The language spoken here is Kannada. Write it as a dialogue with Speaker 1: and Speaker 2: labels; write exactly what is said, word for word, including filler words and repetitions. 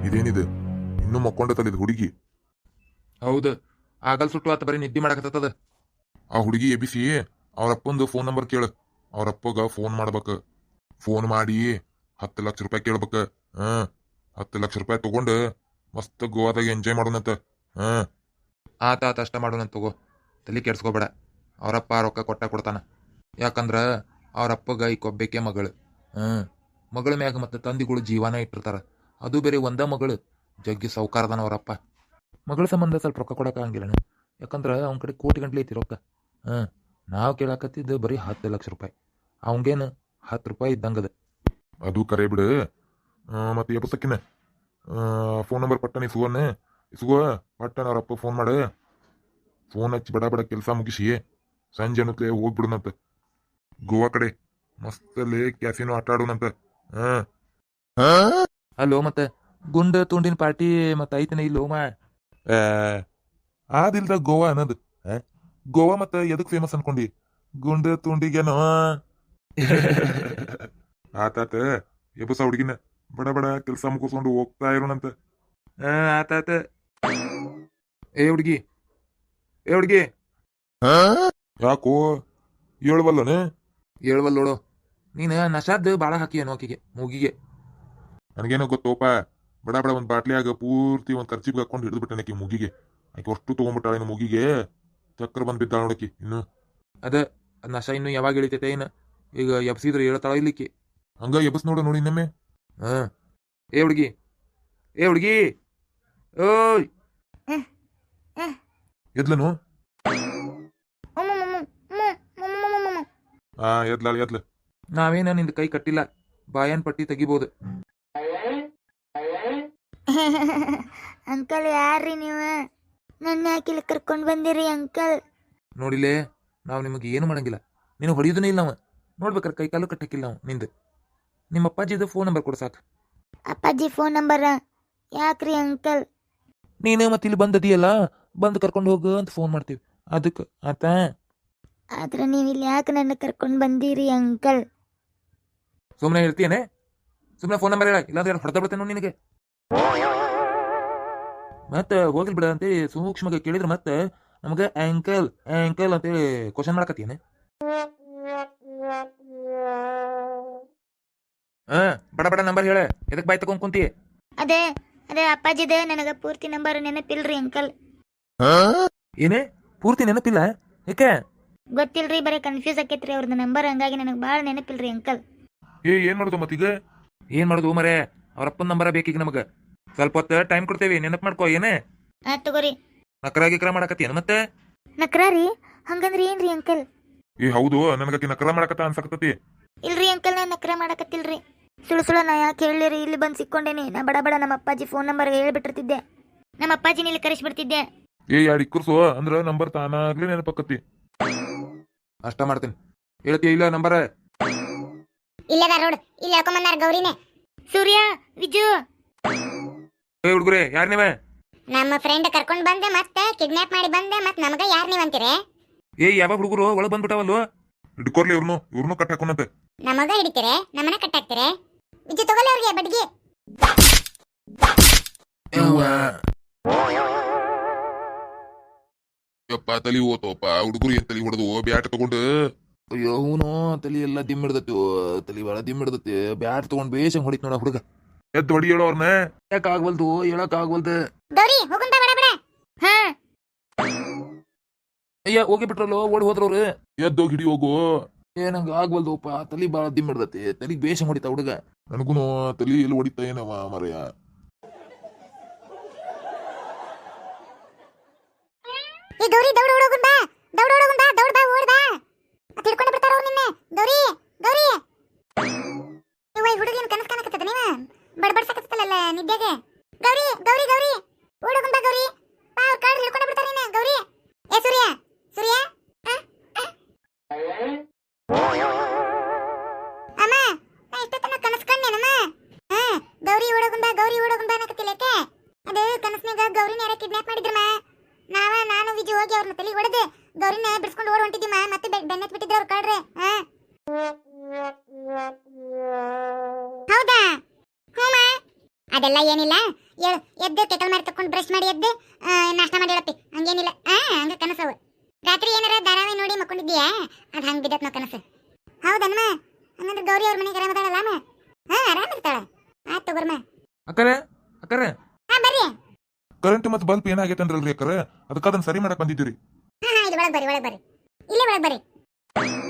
Speaker 1: ಇದೇನಿದು ಇನ್ನೂ ಮಕ್ಕೊಂಡತಲ್ಲಿದ್ ಹುಡುಗಿ?
Speaker 2: ಹೌದು, ಆಗಲ್ ಸುಟ್ಟು ಆತ ಬರೀ ನಿದ್ದೆ ಮಾಡಕತ್ತದ.
Speaker 1: ಆ ಹುಡುಗಿ ಎಬಿಸಿ ಅವ್ರಪ್ಪಂದು ಫೋನ್ ನಂಬರ್ ಕೇಳ. ಅವ್ರಪ್ಪಗ ಫೋನ್ ಮಾಡ್ಬೇಕ. ಫೋನ್ ಮಾಡಿ ಹತ್ತು ಲಕ್ಷ ರೂಪಾಯಿ ಕೇಳ್ಬೇಕ. ಹ್ಮ್ ಹತ್ತು ಲಕ್ಷ ರೂಪಾಯಿ ತಗೊಂಡು ಮಸ್ತ್ ಗೋವಾದಾಗ ಎಂಜಾಯ್ ಮಾಡೋಣಂತ. ಹ್ಮ್
Speaker 2: ಆತ ಆತ ಅಷ್ಟ ಮಾಡೋಣ ತಗೋ, ತಲೆ ಕೆಡ್ಸ್ಕೋಬೇಡ. ಅವರಪ್ಪ ರೊಕ್ಕ ಕೊಟ್ಟ ಕೊಡ್ತಾನ. ಯಾಕಂದ್ರ ಅವರಪ್ಪಗ ಈ ಕೊಬ್ಬೇಕೆ ಮಗಳು. ಹ್ಮ್ ಮಗಳ ಮ್ಯಾಗ ಮತ್ತೆ ತಂದಿಗಳು ಜೀವನ ಇಟ್ಟಿರ್ತಾರ. ಅದು ಬೇರೆ ಒಂದ ಮಗಳು, ಜಗ್ಗಿ ಸೌಕಾರದನ ಅವರಪ್ಪ. ಮಗಳ ಸಂಬಂಧ ಸ್ವಲ್ಪ ರೊಕ್ಕ ಕೊಡಕ ಹಂಗಿಲ್ಲನ, ಯಾಕಂದ್ರ ಅವನ ಕಡೆ ಕೋಟಿ ಗಂಟ್ಲೆ ಐತಿ ರೊಕ್ಕ. ಹ್ಮ್ ನಾವು ಕೇಳಾಕತ್ತಿದ್ದು ಬರೀ ಹತ್ತು ಲಕ್ಷ ರೂಪಾಯಿ. ಅವಂಗೇನು ಹತ್ತು ರೂಪಾಯಿ ಇದ್ದಂಗದ.
Speaker 1: ಅದು ಕರೆ ಬಿಡು. ಮತ್ತೆ ಎಬ್ಬಸಕ್ಕಿನ ಫೋನ್ ನಂಬರ್ ಪಟ್ಟನ ಇಸುವನ್ನ ಇಸುವ ಪಟ್ಟನ ಅವ್ರಪ್ಪ ಫೋನ್ ಮಾಡ. ಫೋನ್ ಹಚ್ಚಿ ಬಡ ಬಡ ಕೆಲಸ ಮುಗಿಸಿ ಸಂಜೆ ಅನ್ನತ್ಲೆ ಹೋಗ್ಬಿಡುನಂತ ಗೋವಾ ಕಡೆ. ಮಸ್ತಲ್ಲಿ ಕ್ಯಾಸಿನೋ ಆಟ ಆಡೋಣಂತ. ಹಾ
Speaker 2: ಅಲ್ಲೋ ಮತ್ತೆ ಗುಂಡ ತುಂಡಿನ ಪಾರ್ಟಿ ಮತ್ತೆ ಐತನ ಇಲ್ಲೋ ಮಾ?
Speaker 1: ಆದಿಲ್ದ ಗೋವಾ ಅನ್ನೋದು. ಗೋವಾ ಮತ್ತೆ ಎದಕ್ ಫೇಮಸ್ ಅನ್ಕೊಂಡಿ? ಗುಂಡ ತುಂಡಿಗೇನೋ. ಆತಾತ ಎಬ್ಬಸ ಹುಡುಗಿನ ಬಡ ಬಡ ಕೆಲಸ ಮುಗಿಸ್ಕೊಂಡು ಹೋಗ್ತಾ ಇರೋಣಂತ.
Speaker 2: ಆತಾತ. ಏ ಹುಡುಗಿ, ಏ ಹುಡುಗಿ,
Speaker 1: ಯಾಕೋ ಹೇಳುವಲ್ಲನೆ?
Speaker 2: ಹೇಳ್ವಲ್ ನೋಡು. ನೀನು ನಶಾದ್ ಬಾಳ ಹಾಕಿ ಆಕಿಗೆ ಮೂಗಿಗೆ.
Speaker 1: ನನಗೇನೋ ಗೊತ್ತೋಪ. ಬಡ ಬಡ ಒಂದ್ ಬಾಟ್ಲಿಯಾಗ ಪೂರ್ತಿ ಒಂದ್ ಖರ್ಚಿಗೆ ಹಾಕೊಂಡು ಹಿಡಿದು ಬಿಟ್ಟೆ ಆಕಿ ಮುಗಿಗೆ. ಆಕೆ ಅಷ್ಟು ತಗೊಂಡ್ಬಿಟ್ಟಾಳ ಮುಗಿಗೆ. ಚಕ್ರ ಬಂದ್ ಬಿದ್ದಾಳ ನೋಡಕಿ. ಇನ್ನು
Speaker 2: ಅದ ನಶ ಇನ್ನು ಯಾವಾಗ ಇಳಿತೈತೆ ಏನ? ಈಗ ಎಬ್ಸಿದ್ರೆ ಹೇಳ್ತಾಳ ಇಲ್ಲಿಕ್ಕೆ.
Speaker 1: ಹಂಗ ಎಬ್ಬಸ್ ನೋಡ ನೋಡಿ ಇನ್ನೊಮ್ಮೆ.
Speaker 2: ಹಾ ಏ ಹುಡುಗಿ, ಏ ಹುಡುಗಿ, ಓಯ್
Speaker 1: ಎದ್ಲನು? ಹಾ ಎದ್ಲಾಳ ಎದ್ಲ.
Speaker 2: ನಾವೇನ ನಿಂದ ಕೈ ಕಟ್ಟಿಲ್ಲ, ಬಾಯನ್ ಪಟ್ಟಿ ತೆಗಿಬಹುದು.
Speaker 3: ಅಂಕಲ್ ಯಾರ್ರಿ ನೀವು? ನನ್ನ ಯಾಕಿಲ್ಲ ಕರ್ಕೊಂಡ್ ಬಂದಿರಿ ಅಂಕಲ್?
Speaker 2: ನೋಡಿಲೇ, ನಾವು ನಿಮಗೆ ಏನು ಮಾಡಂಗಿಲ್ಲ. ನೀನು ಹೊಡಿಯೋದನೇ ಇಲ್ಲ. ನಾವು ನೋಡ್ಬೇಕಾರೆ ಕೈ ಕಾಲು ಕಟ್ಟಕ್ಕಿಲ್ಲ. ನಾವು ನಿಂದು ನಿಮ್ಮ ಅಪ್ಪಾಜಿದು ಫೋನ್ ನಂಬರ್ ಕೊಡು ಸಾಕು.
Speaker 3: ಅಪ್ಪಾಜಿ ಫೋನ್ ನಂಬರ್ ಯಾಕ್ರಿ ಅಂಕಲ್?
Speaker 2: ನೀನು ಮತ್ತೆ ಇಲ್ಲಿ ಬಂದದಿಯಲ್ಲ, ಬಂದು ಕರ್ಕೊಂಡು ಹೋಗು ಅಂತ ಫೋನ್ ಮಾಡ್ತೀವಿ, ಅದಕ್ಕೆ ಆತ.
Speaker 3: ಆದ್ರೆ ನೀವು ಇಲ್ಲಿ ಯಾಕೆ ನನ್ನ ಕರ್ಕೊಂಡ್ ಬಂದಿರಿ ಅಂಕಲ್?
Speaker 2: ಸುಮ್ಮನೆ ಇರ್ತೀಯನೆ? ಸುಮ್ಮನೆ ಫೋನ್ ನಂಬರ್ ಹೇಳ, ಇಲ್ಲಾಂದ್ರೆ ಹೊಡೆದ ಬಿಡ್ತೇನೆ ನಿನಗೆ. ಮತ್ತೆ ಹೋಗಿಲ್ ಬಿಡ ಅಂತೇಳಿ ಸೂಕ್ಷ್ಮಗೆ ಕೇಳಿದ್ರೆ ಮತ್ತೆ ನಮಗೆ ಆಂಕಲ್ ಆಂಕಲ್ ಅಂತೇಳಿ ಕ್ವಶನ್ ಮಾಡಕತ್ತೀನಿ. ಹಾ ಬಡ ಬಡ ನಂಬರ್ ಹೇಳ, ಎದಕ್ ಬಾಯ್ ತಗೊಂಡ್ ಕುಂತಿ?
Speaker 3: ಅದೇ ಅದೇ ಅಪ್ಪಾಜಿದ ನನಗ ಪೂರ್ತಿ ನಂಬರ್ ನೆನಪಿಲ್ರಿ ಅಂಕಲ್.
Speaker 2: ಏನೇ ಪೂರ್ತಿ ನೆನಪಿಲ್ಲ? ಯಾಕೆ?
Speaker 3: ಗೊತ್ತಿಲ್ರಿ, ಬರೀ ಕನ್ಫ್ಯೂಸ್ ಆಕೈತ್ರಿ ಅವ್ರದ್ದು ನಂಬರ್, ಹಂಗಾಗಿ ನನಗೆ ಭಾಳ ನೆನಪಿಲ್ರಿ ಅಂಕಲ್.
Speaker 1: ಏ ಏನ್ ಮಾಡುದು ಮತ್ತೀಗ?
Speaker 2: ಏನ್ ಮಾಡುದು ಮರೆ? ಅವ್ರಪ್ಪನ ನಂಬರ ಬೇಕೀಗ ನಮಗ. ಸ್ವಲ್ಪ ಹೊತ್ತು ಟೈಮ್ ಕೊಡ್ತೇವಿ, ನೆನಪು ಮಾಡ್ಕೋ. ಏನೇ
Speaker 3: ಆ ತಗೋರಿ.
Speaker 2: ನಕರ ಗಿಕ್ರ ಮಾಡಕತ್ತೀನ ಮತ್ತೆ?
Speaker 3: ನಕ್ರಾರಿ? ಹಂಗಂದ್ರೆ ಏನ್ರಿ ಅಂಕಲ್?
Speaker 1: ಏ ಹೌದು, ನನಗಕಿ ನಕರ ಮಾಡಕತ್ತ ಅನ್ಸಕತ್ತತಿ.
Speaker 3: ಇಲ್ರಿ ಅಂಕಲ್, ನಾನು ನಕ್ರ ಮಾಡಕತ್ತಿಲ್ರಿ. ಸುಳು ಸುಳು ನಾ ಯಾಕೆ ಹೇಳಿರಿ? ಇಲ್ಲಿ ಬಂದು ಸಿಕ್ಕೊಂಡೇನಿ. ನಾ ಬಡ ಬಡ ನಮ್ಮ ಅಪ್ಪಾಜಿ ಫೋನ್ ನಂಬರ್ ಹೇಳ್ಬಿಟ್ಟಿರ್ತಿದ್ದೆ. ನಮ್ಮ ಅಪ್ಪಾಜಿನ ಇಲ್ಲಿ ಕರೆಸ್ಬಿಡ್ತಿದ್ದೆ.
Speaker 1: ಏ ಯಾರು ಇಕ್ಕರ್ಸು ಅಂದ್ರ ನಂಬರ್ ತಾನಾಗ್ಲೇ ನೆನಪಕ್ಕತಿ.
Speaker 2: ಅಷ್ಟ ಮಾಡ್ತೀನಿ. ಹೇಳ್ತೀಯ ಇಲ್ಲ ನಂಬರ?
Speaker 3: ಇಲ್ಲದ ರೋಡ್ ಇಲ್ಲಿ ಹೇಳ್ಕೊಂಬಂದಾರ ಗೌರಿನೇ. ಸೂರ್ಯ, ವಿಜು.
Speaker 2: ಏ ಹುಡುಗರೇ, ಯಾರು ನೀವೇ?
Speaker 3: ನಮ್ಮ ಫ್ರೆಂಡ್ ಕರ್ಕೊಂಡ್ ಬಂದೆ, ಮತ್ತೆ ಕಿಡ್ನಾಪ್ ಮಾಡಿ ಬಂದೆ, ಮತ್ತೆ ನಮಗ ಯಾರು ನೀವ್ ಅಂತೀರೆ?
Speaker 2: ಏ ಯಾವ ಹುಡುಗರು ಒಳಗೆ ಬಂದ್ಬಿಟ್ಟಾವಲ್ವ?
Speaker 1: ಹಿಡ್ಕೊರ್ಲಿ ಇವ್ರನ್ನು ಇವ್ರನ್ನು ಕಟ್ ಹಾಕೋಣಂತೆ.
Speaker 3: ನಮಗ ಹಿಡಿತೀರೆ, ನಮ್ಮನ್ನ ಕಟ್ಟಾಕ್ತಿರೆ. ವಿಜು ತಗೊಳ್ಳಿ ಅವ್ರಿಗೆ ಬಡ್ಗಿ.
Speaker 1: ಯಪ್ಪ ತಲಿ ಓತೋಪ್ಪ ಹುಡುಗರು ಏನ್ ತಲಿ ಹೊಡೆದು ಬ್ಯಾಟ್ ತಗೊಂಡು.
Speaker 2: ಅಯ್ಯೋ ಅವನು ತಲಿ ಎಲ್ಲ ದಿಮ್ ಹಿಡ್ದತಿ, ತಲಿ ಭಾಳ ದಿಮ್ ಹಿಡ್ದತಿ. ಬ್ಯಾಟ್ ತಗೊಂಡ್ ಬೇಷಂಗ್ ಹೊಡಿತ್ ನೋಡ ಹುಡುಗ.
Speaker 1: ಎದ್ದು ಹೊಡಿ ಹೇಳೋ ಅವ್ರನ್ನ.
Speaker 2: ಯಾಕೆ ಆಗ್ವಲ್ದು, ಹೇಳಕ್ ಆಗ್ವಲ್ದು.
Speaker 3: ಗೌರಿ ಹೋಗುಂತ ಬಡ ಬಡ. ಹಾ
Speaker 2: ಅಯ್ಯ ಹೋಗಿ ಬಿಟ್ರಲ್ಲೋ, ಓಡಿ ಹೋದ್ರವ್ರು.
Speaker 1: ಎದ್ದೋಗಿ ಹಿಡಿ ಹೋಗು.
Speaker 2: ಏನಂಗ ಆಗ್ವಲ್ದುಪ್ಪ, ತಲಿ ಭಾಳ ದಿಮ್ ಹಿಡ್ದತಿ. ತಲಿಗೆ ಬೇಷಂಗ್ ಹೊಡಿತಾ ಹುಡುಗ.
Speaker 1: ನನಗೂನು ತಲಿ ಎಲ್ಲಿ ಹೊಡಿತಾ ಏನವ ಮರೆಯ.
Speaker 3: ಈ ಗೌರಿ ದೌಡ ಓಡೋಗುಂದ, ದೌಡ ಓಡೋಗುಂದ, ದೌಡ ಬಾ, ಓಡ್ ಬಾ. ಅತ್ ಹಿಡ್ಕೊಂಡು ಬಿಡ್ತಾರ ಅವ್ರು ನಿನ್ನೆ. ಗೌರಿ ಗೌರಿ, ನೀವು ಈ ಹುಡುಗಿನ ಕನಸು ಕಾಣಕತ್ತದ ನೀವ? ಬಡಬಡ್ಸಕತ್ತಲ್ಲ ನಿದ್ದೆಗೆ. ಗೌರಿ ಗೌರಿ ಗೌರಿ ಓಡೋಗುಂದ ಗೌರಿ, ಬಾ, ಅವ್ರ ಕಾಡ್ ಹಿಡ್ಕೊಂಡು ಬಿಡ್ತಾರ ನಿನ್ನೆ. ಗೌರಿ ಏ ಸೂರ್ಯ, ಸೂರ್ಯ ಅಮ್ಮ, ನಾ ಇಷ್ಟೊತ್ತನ ಕನಸು ಕಂಡೇನಮ್ಮ. ಹಾ ಗೌರಿ ಓಡೋಗುಂದ, ಗೌರಿ ಓಡೋಗುಂದ ಅನ್ನಕತ್ತಿಲ್ಲಕ್ಕೆ. ಅದು ಕನಸ್ನಾಗ ಗೌರಿನ ಯಾರ ಕಿಡ್ನಾಪ್ ಮಾಡಿದ್ರಮ್ಮ. ನಾವ ನಾನು ವಿಜು ಹೋಗಿ ಅವ್ರನ್ನ ತಲೆ ಹೊಡೆದು ಗೌರಿನ ಬಿಡಿಸ್ಕೊಂಡು ಓಡ್ ಹೊಂಟಿದ್ದೀಮ. ಮತ್ತೆ ಬೆನ್ನತ್ ಬಿಟ್ಟಿದ್ರು ಅವ್ರು ಕಾಡ್ರೆ. ಹೌದಾ? ಹ್ಞೂ ಅದೆಲ್ಲ ಏನಿಲ್ಲ ಹೇಳು ಎದ್ದು ಕೆಕಲ್ ಮಾಡಿ ತಕೊಂಡು ಬ್ರಷ್ ಮಾಡಿ ಎದ್ದು ಆ, ನಾಷ್ಟ ಮಾಡಿ ಹೇಳಪ್ಪಿ ಹಂಗೇನಿಲ್ಲ ಆ ಹಂಗ ಕನಸವು ರಾತ್ರಿ ಏನಾರ ಧಾರಾವಾಹಿ ನೋಡಿ ಮಕ್ಕೊಂಡಿದ್ದೀಯಾ ಅದು ಹಂಗೆ ಬಿದ್ದತ್ ನಾವು ಕನಸು ಹೌದನ್ಮ ಹಂಗಂದ್ರೆ ಗೌರಿ ಅವ್ರ ಮನೆಗೆ ಆರಾಮದಾಳಲ್ಲ ಅಮ್ಮ ಹಾ ಆರಾಮಿರ್ತಾಳ ಆಯ್ತು ತಗೋರ್ಮ
Speaker 1: ಅಕ್ಕರೆ ಅಕ್ಕರೆ
Speaker 3: ಹಾ ಬರ್ರಿ
Speaker 1: ಕರೆಂಟ್ ಮತ್ತು ಬಲ್ಪ್ ಏನಾಗೈತೆ ಅಂದ್ರಲ್ರಿ ಅಕ್ಕರೆ ಅದಕ್ಕೆ ಅದನ್ನ ಸರಿ ಮಾಡಕ್ ಬಂದಿದ್ದೀರಿ
Speaker 3: ಹಾ ಹಾ ಇಲ್ಲಿ ಒಳಗೆ ಬರ್ರಿ ಒಳಗೆ ಬರ್ರಿ ಇಲ್ಲೇ ಒಳಗೆ ಬರ್ರಿ